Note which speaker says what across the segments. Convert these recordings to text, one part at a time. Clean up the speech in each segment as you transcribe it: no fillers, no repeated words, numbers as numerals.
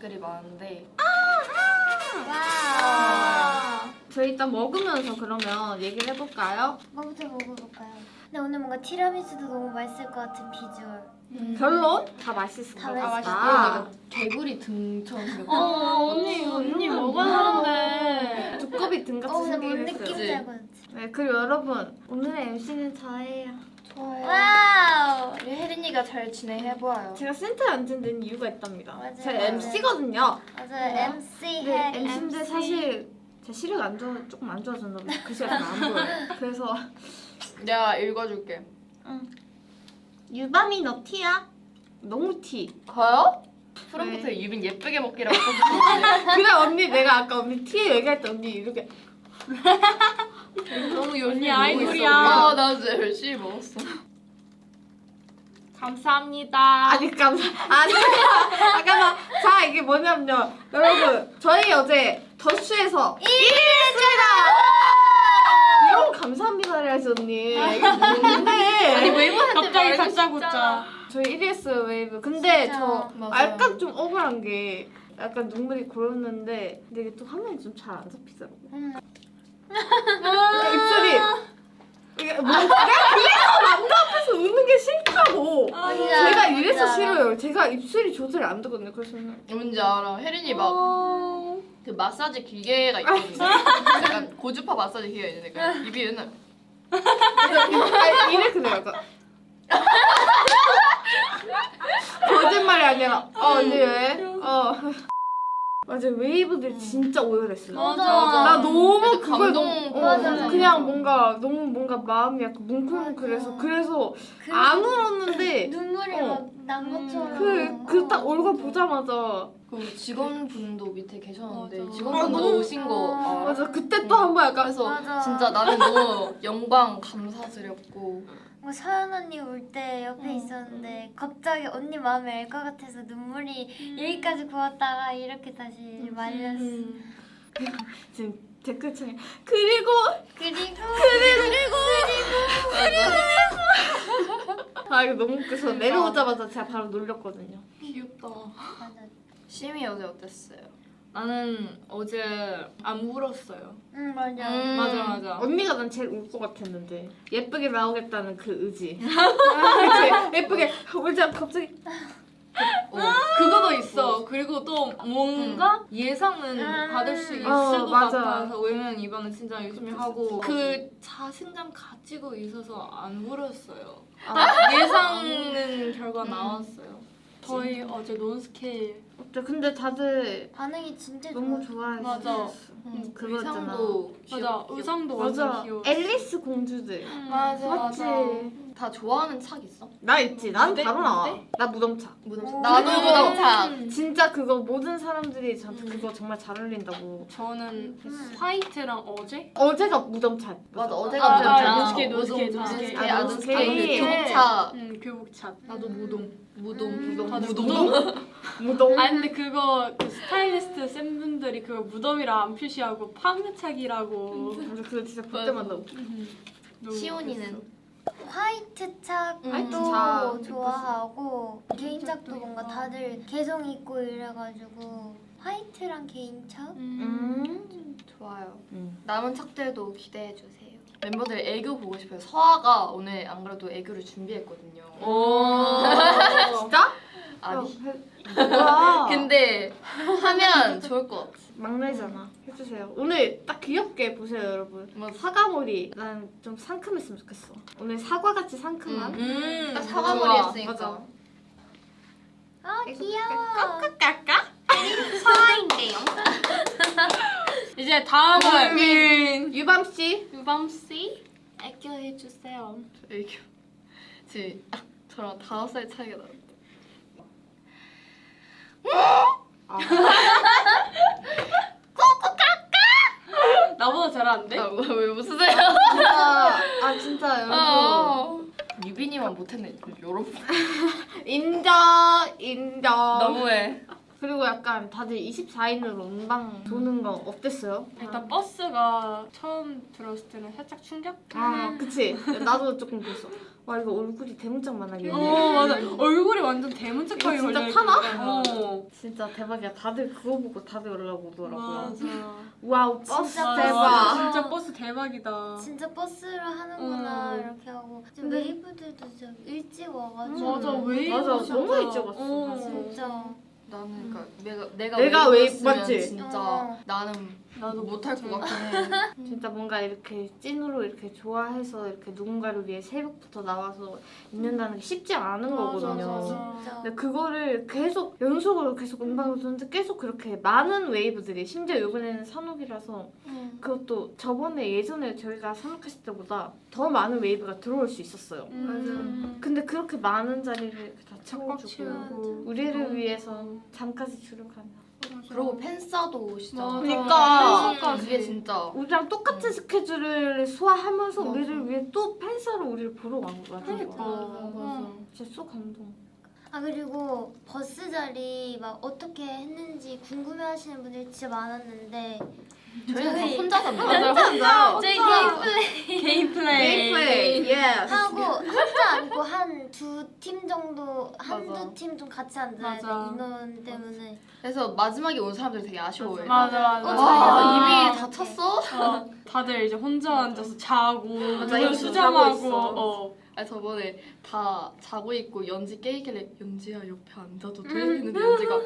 Speaker 1: 댓글이 많은데
Speaker 2: 와.
Speaker 3: 저희 일단 먹으면서 그러면 얘기를 해볼까요?
Speaker 2: 뭐부터 먹어볼까요? 근데 오늘 뭔가 티라미수도 너무 맛있을 것 같은 비주얼.
Speaker 3: 결론? 다 맛있을
Speaker 2: 다
Speaker 3: 것
Speaker 2: 맛있다.
Speaker 3: 같다.
Speaker 1: 개구리 등처럼 생겼어.
Speaker 3: 언니 먹었는데 두꺼비 등같이
Speaker 2: 근데 뭔
Speaker 3: 생기긴
Speaker 2: 느낌인지
Speaker 3: 했어요.
Speaker 2: 알고 있지?
Speaker 3: 네, 그리고 여러분 오늘의 MC는 저예요.
Speaker 1: 좋아요.
Speaker 2: 와우.
Speaker 1: 우리 혜린이가 잘 진행해보아요.
Speaker 3: 제가 센터에 앉은 데는 이유가 있답니다.
Speaker 2: 맞아요,
Speaker 3: 제가
Speaker 2: 맞아요.
Speaker 3: MC거든요.
Speaker 2: 맞아요. MC
Speaker 3: 근데
Speaker 2: 핵
Speaker 3: MC인데
Speaker 2: MC.
Speaker 3: 사실 제 시력이 안 좋아, 조금 안 좋아졌나 봐요. 글씨가 잘 안 보여요. 그래서
Speaker 1: 내가 읽어줄게.
Speaker 3: 유밤이 너 티야? 너무 티.
Speaker 1: 가요? 프롬프트에 유빈 예쁘게 먹기라고 써주는데
Speaker 3: 그래 언니 내가 아까 언니 티 얘기할 때 언니 이렇게
Speaker 1: 너무 열심히
Speaker 4: 언니
Speaker 1: 먹고
Speaker 4: 아이돌이야.
Speaker 1: 있어. 나 진짜 열심히 먹었어.
Speaker 4: 감사합니다.
Speaker 3: 아니 잠깐만 자 이게 뭐냐면요 여러분 저희 어제 더슈에서 1위를 했습니다. 이런 거 감사합니다를 해야지 언니 이게 뭔데
Speaker 1: 아니 웨이브한테
Speaker 4: 갑자기 다짜고짜.
Speaker 3: 저희 1위 했어요 웨이브 근데
Speaker 2: 진짜.
Speaker 3: 저
Speaker 1: 맞아요.
Speaker 3: 약간 좀 억울한 게 약간 눈물이 고였는데 근데 이게 또 화면이 좀 잘 안 잡히더라고요 그러니까 입술이 이게 뭐 내가 그래서 남자 앞에서 웃는 게 싫다고
Speaker 2: 맞아,
Speaker 3: 제가 이래서
Speaker 2: 맞아.
Speaker 3: 싫어요. 제가 입술이 조절이 안 되거든요. 그래서
Speaker 1: 뭔지 알아. 혜린이 막 그 마사지 기계가 있거든요. 약간 고주파 마사지 기계가 있는데 그 입이 맨날
Speaker 3: 이래 그래요. 약간. 거짓말이 아니라 언니 왜? 맞아 웨이브들 진짜 오열했어요.
Speaker 2: 맞아.
Speaker 3: 나 너무
Speaker 1: 그래서
Speaker 3: 그걸
Speaker 1: 감동
Speaker 3: 너무
Speaker 2: 맞아.
Speaker 3: 그냥 뭔가 너무 뭔가 마음이 약간 뭉클뭉클해서 그래서 안 울었는데
Speaker 2: 눈물이
Speaker 3: 어.
Speaker 2: 막 난 것처럼.
Speaker 3: 그 딱 얼굴 보자마자
Speaker 1: 그 직원분도 밑에 계셨는데
Speaker 4: 맞아.
Speaker 1: 직원분도
Speaker 3: 너무-
Speaker 1: 오신 거 알아?
Speaker 3: 맞아 그때 또 한 번 약간
Speaker 1: 그래서
Speaker 2: 맞아.
Speaker 1: 진짜 나는 너무 영광 감사드렸고
Speaker 2: 뭐 서연 언니 올 때 옆에 있었는데 갑자기 언니 마음이 알 것 같아서 눈물이 여기까지 고왔다가 이렇게 다시 말렸어.
Speaker 3: 지금 댓글창에 그리고 아 이거 너무 웃겨서 내려오자마자 제가 바로 놀렸거든요.
Speaker 1: 귀엽다.
Speaker 2: 맞아.
Speaker 1: 심이 어제 어땠어요?
Speaker 4: 나는 어제 안 울었어요.
Speaker 2: 응 맞아.
Speaker 4: 맞아.
Speaker 3: 언니가 난 제일 울 것 같았는데 예쁘게 나오겠다는 그 의지. 그치? 예쁘게 울지 않고 갑자기
Speaker 4: 그거도 있어. 그리고 또 뭔가 예상은 받을 수 있을 것
Speaker 3: 맞아.
Speaker 4: 같아서 왜냐면 이번에 진짜 열심히 하고 그 자신감 가지고 있어서 안 울었어요. 예상은 결과 나왔어요. 저희 어제 논스케일
Speaker 3: 근데 다들
Speaker 2: 반응이 진짜
Speaker 3: 너무
Speaker 2: 좋아.
Speaker 3: 좋아했어.
Speaker 4: 맞아.
Speaker 3: 그거 있잖아.
Speaker 1: 의상도
Speaker 4: 맞아. 의상도 완전
Speaker 3: 맞아.
Speaker 4: 귀여워.
Speaker 3: 앨리스 공주들.
Speaker 1: 맞아
Speaker 3: 맞지?
Speaker 1: 다 좋아하는 착 있어?
Speaker 3: 나 있지. 난
Speaker 4: 무대?
Speaker 3: 바로 나와.
Speaker 4: 무대?
Speaker 3: 나 무덤차.
Speaker 1: 무덤차.
Speaker 2: 오.
Speaker 1: 나도 무덤차.
Speaker 3: 진짜 그거 모든 사람들이 저한테 그거 정말 잘 어울린다고.
Speaker 4: 저는 화이트랑 어제?
Speaker 3: 어제가 무덤차.
Speaker 1: 맞아
Speaker 4: 아,
Speaker 1: 어제가 무덤차.
Speaker 4: 노스케,
Speaker 1: 무덤,
Speaker 4: 노스케.
Speaker 1: 노스케,
Speaker 3: 아,
Speaker 1: 노스케.
Speaker 3: 노스케.
Speaker 1: 교복차.
Speaker 4: 교복차. 나도 무동.
Speaker 1: 무덤.
Speaker 4: 다들
Speaker 3: 무덤.
Speaker 4: 아니 근데 그거 그 스타일리스트 쌤분들이 그거 무덤이라 안 표시하고 판매착이라고.
Speaker 3: 맞아 그거 진짜 볼 때마다 웃겨.
Speaker 4: 너무
Speaker 1: 시온이는?
Speaker 2: 화이트 착도
Speaker 3: 화이트 착.
Speaker 2: 좋아하고 개인착도
Speaker 4: 착도
Speaker 2: 뭔가
Speaker 4: 있고.
Speaker 2: 다들 개성 있고 이래가지고 화이트랑 개인착?
Speaker 1: 좋아요.
Speaker 3: 음.
Speaker 1: 남은 착들도 기대해 주세요. 멤버들 애교 보고 싶어요. 서아가 오늘 안 그래도 애교를 준비했거든요.
Speaker 3: 진짜?
Speaker 1: 아니.
Speaker 3: 뭐야?
Speaker 1: 근데 하면 좋을 것 같아.
Speaker 3: 막내잖아. 해주세요. 오늘 딱 귀엽게 보세요, 여러분. 사과머리. 난 좀 상큼했으면 좋겠어. 오늘 사과같이 상큼한.
Speaker 1: 딱 사과머리
Speaker 3: 좋아.
Speaker 1: 했으니까.
Speaker 3: 맞아.
Speaker 2: 귀여워.
Speaker 3: 까까?
Speaker 2: 서아인데요.
Speaker 4: 이제 다음은
Speaker 3: 유밤 씨.
Speaker 4: 유밤 씨 애교 해주세요.
Speaker 1: 애교. 저랑 5살 차이가 나는데.
Speaker 4: 나보다 잘하는데?
Speaker 1: 왜 웃으세요?
Speaker 3: 진짜 여러분.
Speaker 1: 유빈이만 못했네. 여러분.
Speaker 3: 인정.
Speaker 1: 너무해.
Speaker 3: 그리고 약간 다들 24인으로 음방 도는 거 어땠어요?
Speaker 4: 일단 버스가 처음 들었을 때는 살짝 충격?
Speaker 3: 아 그치. 나도 조금 그랬어. 와 이거 얼굴이 대문짝만하게.
Speaker 4: 맞아. 얼굴이 완전 대문짝하게
Speaker 3: 이거 진짜
Speaker 4: 걸려있거든.
Speaker 3: 타나?
Speaker 4: 진짜
Speaker 3: 대박이야. 다들 그거 보고 다들 올라오더라고요.
Speaker 4: 맞아.
Speaker 3: 와우 버스
Speaker 2: 진짜
Speaker 3: 대박.
Speaker 4: 맞아. 진짜 버스 대박이다.
Speaker 2: 진짜 버스를 하는구나 이렇게 하고
Speaker 3: 근데-
Speaker 2: 웨이브들도 진짜 일찍 와가지고
Speaker 4: 맞아. 웨이브
Speaker 3: 맞아,
Speaker 4: 진짜.
Speaker 3: 너무 일찍 왔어.
Speaker 2: 진짜
Speaker 1: 나는 그러니까 내가
Speaker 3: 내가 웨이브
Speaker 1: 웨이브였으면
Speaker 3: 맞지?
Speaker 1: 진짜
Speaker 2: 어.
Speaker 1: 나는
Speaker 4: 나도
Speaker 1: 못할 것 같긴 해.
Speaker 3: 진짜 뭔가 이렇게 찐으로 이렇게 좋아해서 이렇게 누군가를 위해 새벽부터 나와서 있는다는 게 쉽지 않은 거거든요.
Speaker 2: 진짜
Speaker 3: 근데 그거를 계속 연속으로 계속 음방을 도는데 계속 그렇게 많은 웨이브들이 심지어 이번에는 산옥이라서 그것도 저번에 예전에 저희가 산옥했을 때보다 더 많은 웨이브가 들어올 수 있었어요. 근데 그렇게 많은 자리를 이렇게 다 채워주고
Speaker 4: 채우고.
Speaker 3: 우리를 위해서 잠까지 줄을 가면
Speaker 1: 그리고 팬싸도 오시잖아.
Speaker 3: 그러니까.
Speaker 1: 그게 진짜
Speaker 3: 우리랑 똑같은 스케줄을 소화하면서
Speaker 1: 맞아.
Speaker 3: 우리를 위해 또 팬싸로 우리를 보러 간 거야.
Speaker 4: 그러니까.
Speaker 1: 맞아.
Speaker 3: 진짜 쏙 감동.
Speaker 2: 아 그리고 버스 자리 막 어떻게 했는지 궁금해하시는 분들이 진짜 많았는데
Speaker 1: 저희는 다
Speaker 2: 저희-
Speaker 1: 혼자 삽니다.
Speaker 3: 혼자
Speaker 2: 저희 게임 플레이
Speaker 4: 게임 플레이.
Speaker 3: 게임 플레이. 예.
Speaker 2: 하고 혼자 아니고 한 두 팀 정도
Speaker 1: 맞아.
Speaker 2: 한두 팀 좀 같이 앉아야 돼
Speaker 4: 맞아.
Speaker 2: 인원 때문에
Speaker 1: 그래서 마지막에 온 사람들이 되게 아쉬워해.
Speaker 4: 맞아 맞아.
Speaker 1: 와,
Speaker 2: 아,
Speaker 1: 이미 다 찼어?
Speaker 4: 다들 이제 혼자 앉아서 자고
Speaker 3: 맞아,
Speaker 4: 눈을
Speaker 3: 이거
Speaker 4: 수정하고
Speaker 3: 자고 있어.
Speaker 1: 아니 저번에 다 자고 있고 연지 깨이길래 연지야 옆에 앉아도 돼? 했는데 연지가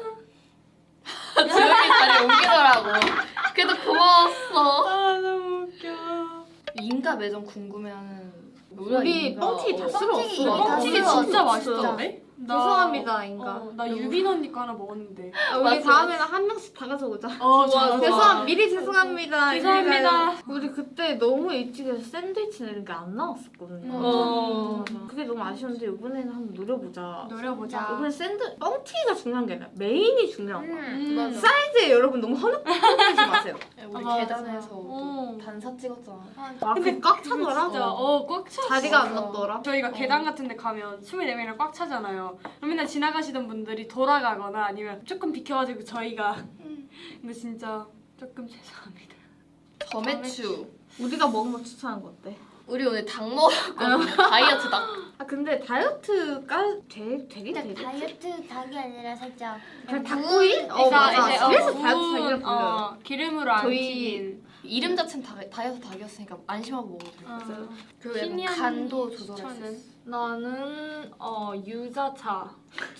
Speaker 1: 조용히 자리 옮기더라고. 그래도 고마웠어.
Speaker 4: 아 너무 웃겨.
Speaker 1: 인가 매점 궁금해하는
Speaker 3: 우리
Speaker 1: 인가.
Speaker 3: 뻥튀기 다 쓸어
Speaker 2: 뻥튀기
Speaker 3: 없어.
Speaker 2: 다
Speaker 4: 뻥튀기
Speaker 2: 쓸어
Speaker 4: 진짜
Speaker 2: 없어.
Speaker 4: 맛있던데?
Speaker 3: 죄송합니다, 인가.
Speaker 4: 나 유빈 언니 거 하나 먹었는데.
Speaker 3: 우리
Speaker 1: 맞아,
Speaker 3: 다음에는 한 명씩 다 가져오자.
Speaker 4: 좋아.
Speaker 3: 미리 죄송합니다.
Speaker 4: 죄송합니다.
Speaker 3: 우리 그때 너무 일찍 해서 샌드위치나 이런 게 안 나왔었거든요. 맞아. 그게 너무 아쉬운데 이번에는 한번 노려보자.
Speaker 4: 노려보자.
Speaker 3: 이번에 뻥튀기가 중요한 게 아니라 메인이 중요한 거야.
Speaker 1: 맞아.
Speaker 3: 사이즈에 여러분 너무 허접하지 마세요.
Speaker 1: 우리
Speaker 4: 맞아.
Speaker 1: 계단에서
Speaker 4: 어.
Speaker 1: 단사 찍었잖아.
Speaker 3: 아, 근데 꽉 차더라.
Speaker 4: 진짜 꽉 차.
Speaker 3: 자리가 안
Speaker 1: 맞아.
Speaker 3: 났더라.
Speaker 4: 저희가 계단 같은 데 가면 24명이랑 꽉 차잖아요. 그럼 맨날 지나가시던 분들이 돌아가거나 아니면 조금 비켜가지고 저희가 근데 진짜 조금 죄송합니다.
Speaker 1: 점액추.
Speaker 3: 우리가 먹은 거 추천한 거 어때?
Speaker 1: 우리 오늘 닭 먹었거든. 다이어트 닭.
Speaker 3: 아 근데 다이어트가 되긴
Speaker 2: 근데
Speaker 3: 되겠지?
Speaker 2: 다이어트 닭이 아니라 살짝
Speaker 3: 그냥 닭구이?
Speaker 4: 그러니까
Speaker 3: 맞아.
Speaker 4: 이제
Speaker 3: 그래서
Speaker 4: 구운,
Speaker 3: 다이어트 닭이라 불러요.
Speaker 4: 기름으로 안
Speaker 3: 저희-
Speaker 4: 튀긴.
Speaker 1: 이름 자체는 다이어트 닭이었으니까 안심하고 먹어도 돼.
Speaker 3: 맞아요.
Speaker 1: 그리고 약간
Speaker 4: 희미한
Speaker 1: 간도 조절할 수
Speaker 4: 추천은?
Speaker 1: 있어.
Speaker 4: 나는 유자차.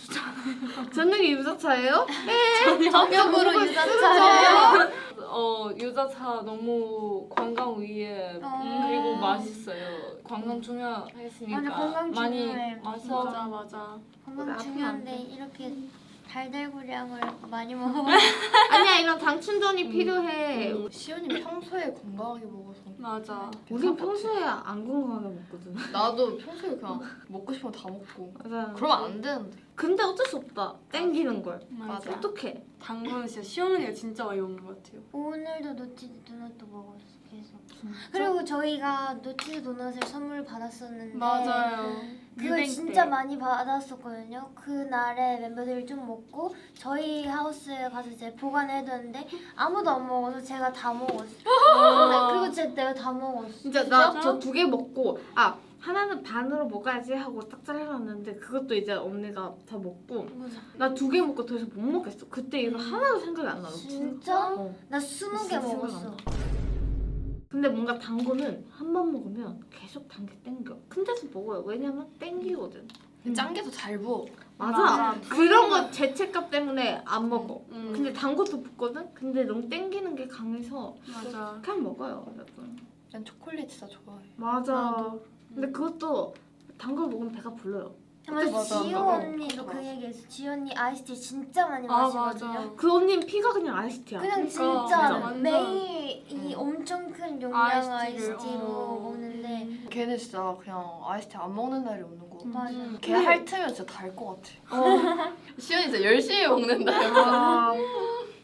Speaker 3: 저녁에 유자차예요?
Speaker 2: 저녁으로 유자차예요?
Speaker 4: 유자차 너무 관광 위에 그리고 맛있어요. 관광 중요했으니까
Speaker 2: 맞아, 관광
Speaker 4: 많이
Speaker 2: 중요해.
Speaker 4: 마셔. 맞아.
Speaker 2: 건강
Speaker 3: 아프면
Speaker 2: 중요한데
Speaker 3: 안 돼.
Speaker 2: 이렇게 달달구량을 많이 먹어.
Speaker 3: 아니야 이런 당 충전이 필요해.
Speaker 1: 시연이 평소에 건강하게 먹어서
Speaker 4: 맞아.
Speaker 3: 우린 평소에 안 건강하게 먹거든.
Speaker 1: 나도 평소에 그냥 먹고 싶으면 다 먹고
Speaker 3: 맞아.
Speaker 1: 그러면 안 되는데.
Speaker 3: 근데 어쩔 수 없다. 땡기는 걸.
Speaker 1: 맞아.
Speaker 3: 어떡해.
Speaker 4: 당근은 진짜 시어머니가 진짜 많이 먹는 것 같아요.
Speaker 2: 오늘도 노티드 도넛도 먹었어 계속. 그리고 저희가 노티드 도넛을 선물 받았었는데 그걸
Speaker 4: 유뱅
Speaker 2: 진짜
Speaker 4: 때.
Speaker 2: 많이 받았었거든요. 그날에 멤버들이 좀 먹고 저희 하우스에 가서 이제 보관해뒀는데 아무도 안 먹어서 제가 다 먹었어요. 네, 그리고 진짜 내가 다 먹었어.
Speaker 3: 진짜 나 저 2개 먹고 하나는 반으로 먹어야지 하고 딱 잘라놨는데 그것도 이제 언니가 다 먹고 나 2개 먹고 더 이상 못 먹겠어. 그때 이거 하나도 생각이 안 나.
Speaker 2: 진짜?
Speaker 3: 어.
Speaker 2: 나 20개
Speaker 3: 진짜 생각
Speaker 2: 먹었어.
Speaker 3: 안 나. 근데 뭔가 단 거는 한 번 먹으면 계속 단 게 땡겨. 큰 데서 먹어요. 왜냐면 땡기거든.
Speaker 1: 짠 게 더 잘 부어.
Speaker 3: 맞아. 그런 거 죄책감 때문에 안 먹어.
Speaker 4: 음.
Speaker 3: 근데 단 것도 붓거든? 근데 너무 땡기는 게 강해서
Speaker 4: 맞아.
Speaker 3: 그냥 먹어요. 여러분.
Speaker 1: 난 초콜릿 진짜 좋아해.
Speaker 3: 맞아. 근데 그것도 단 걸 먹으면 배가 불러요.
Speaker 2: 맞아.
Speaker 1: 맞아.
Speaker 2: 지효
Speaker 1: 맞아.
Speaker 2: 언니도 그 얘기했어. 지효 언니 아이스티 진짜 많이
Speaker 4: 아,
Speaker 2: 마시거든요.
Speaker 4: 맞아.
Speaker 3: 그 언니는 피가 그냥 아이스티야.
Speaker 2: 그냥
Speaker 4: 그러니까,
Speaker 2: 진짜
Speaker 4: 완전.
Speaker 2: 매일 이 엄청 큰 용량
Speaker 4: 아이스티를,
Speaker 2: 아이스티로 먹는데
Speaker 1: 걔는 진짜 그냥 아이스티 안 먹는 날이 없는 거 같아.
Speaker 2: 맞아.
Speaker 1: 걔 핥으면 진짜 달 것 같아. 시연이 진짜 열심히 먹는다.
Speaker 3: 아,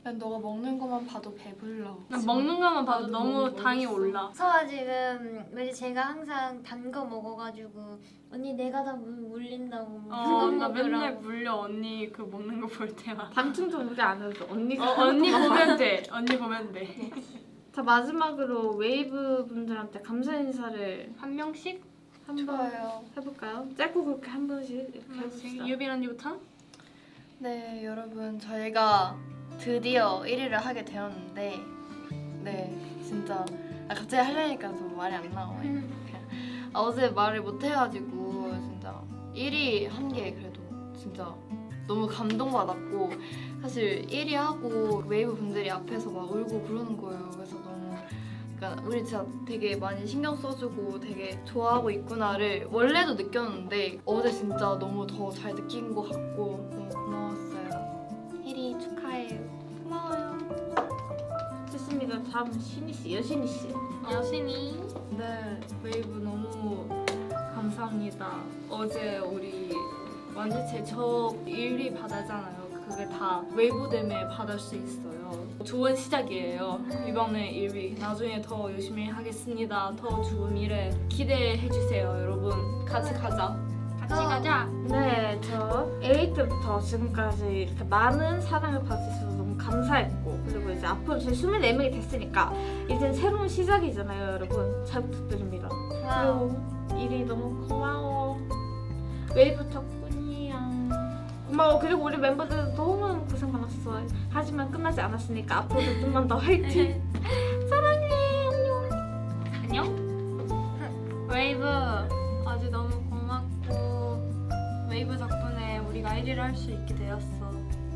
Speaker 1: 난 너가 먹는 것만 봐도 배불러.
Speaker 4: 난 먹는 것만 봐도
Speaker 1: 나도
Speaker 4: 너무
Speaker 1: 너무
Speaker 4: 당이
Speaker 1: 먹었어.
Speaker 4: 올라.
Speaker 2: 서아 지금 왜냐 제가 항상 단 거 먹어가지고 언니 내가 다 물린다고 그거
Speaker 4: 나 맨날
Speaker 2: 먹으라고.
Speaker 4: 물려 언니 그 먹는 거 볼 때마다.
Speaker 3: 반충전 우리 안 해도 언니가
Speaker 4: 언니 보면 돼. 언니 보면 돼.
Speaker 3: 자 마지막으로 웨이브 분들한테 감사 인사를
Speaker 4: 한 명씩?
Speaker 3: 한번
Speaker 1: 좋아요.
Speaker 3: 해볼까요? 짧고 굵게 한 번씩 이렇게 해봅시다.
Speaker 4: 유빈 언니부터?
Speaker 1: 네, 여러분 저희가 드디어 1위를 하게 되었는데 네, 진짜 갑자기 하려니까 좀 말이 안 나와요. 어제 말을 못 해가지고 진짜 1위 한 게 그래도 진짜 너무 감동받았고 사실 1위 하고 웨이브 분들이 앞에서 막 울고 그러는 거예요. 그래서 너무 그러니까 우리 진짜 되게 많이 신경 써주고 되게 좋아하고 있구나를 원래도 느꼈는데 어제 진짜 너무 더 잘 느낀 것 같고 너무 고마웠어요. 1위 축하해요. 고마워요.
Speaker 3: 좋습니다. 다음 신희 씨, 여신희 씨.
Speaker 4: 여신이. 네, 웨이브 너무 감사합니다. 어제 우리 완전체 저 1위 받았잖아요. 그게 다 웨이브 때문에 받을 수 있어요. 좋은 시작이에요. 이번에 1위. 나중에 더 열심히 하겠습니다. 더 좋은 미래 기대해 주세요, 여러분. 같이 가자. 같이 가자.
Speaker 3: 네, 저 A 때부터 지금까지 이렇게 많은 사랑을 받을 수 있어서 너무 감사했고 그리고 이제 앞으로 저희 24명이 됐으니까 이제 새로운 시작이잖아요, 여러분. 잘 부탁드립니다. 그리고 일이 너무 고마워. 웨이브 덕분이야. 고마워. 그리고 우리 멤버들도 너무 고생 많았어. 하지만 끝나지 않았으니까 앞으로도 좀만 더 화이팅. 사랑해. 안녕.
Speaker 4: 안녕. 웨이브 어제 너무 고맙고 웨이브 덕분에 우리가 1위를 할 수 있게 되었어.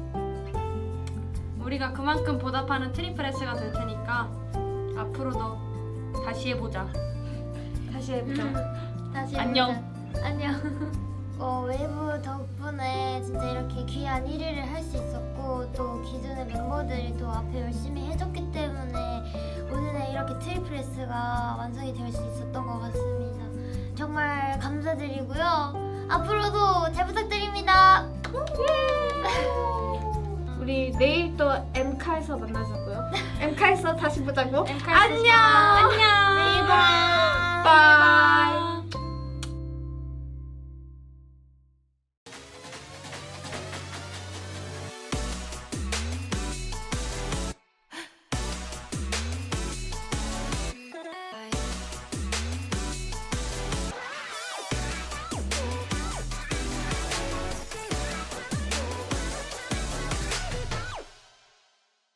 Speaker 4: 우리가 그만큼 보답하는 트리플 S가 될 테니까 앞으로도 다시 해보자.
Speaker 3: 다시 해보자.
Speaker 2: 다시
Speaker 4: 안녕.
Speaker 2: 해보자. 안녕. 웨이브 덕분에 진짜 이렇게 귀한 1위를 할 수 있었고 또 기존의 멤버들이 또 앞에 열심히 해줬기 때문에 오늘의 이렇게 트리플 S가 완성이 될 수 있었던 것 같습니다. 정말 감사드리고요. 앞으로도 잘 부탁드립니다.
Speaker 3: 우리 내일 또 엠카에서 만나자고요. 엠카에서 다시 보자고.
Speaker 4: 안녕. 안녕.
Speaker 3: 바이.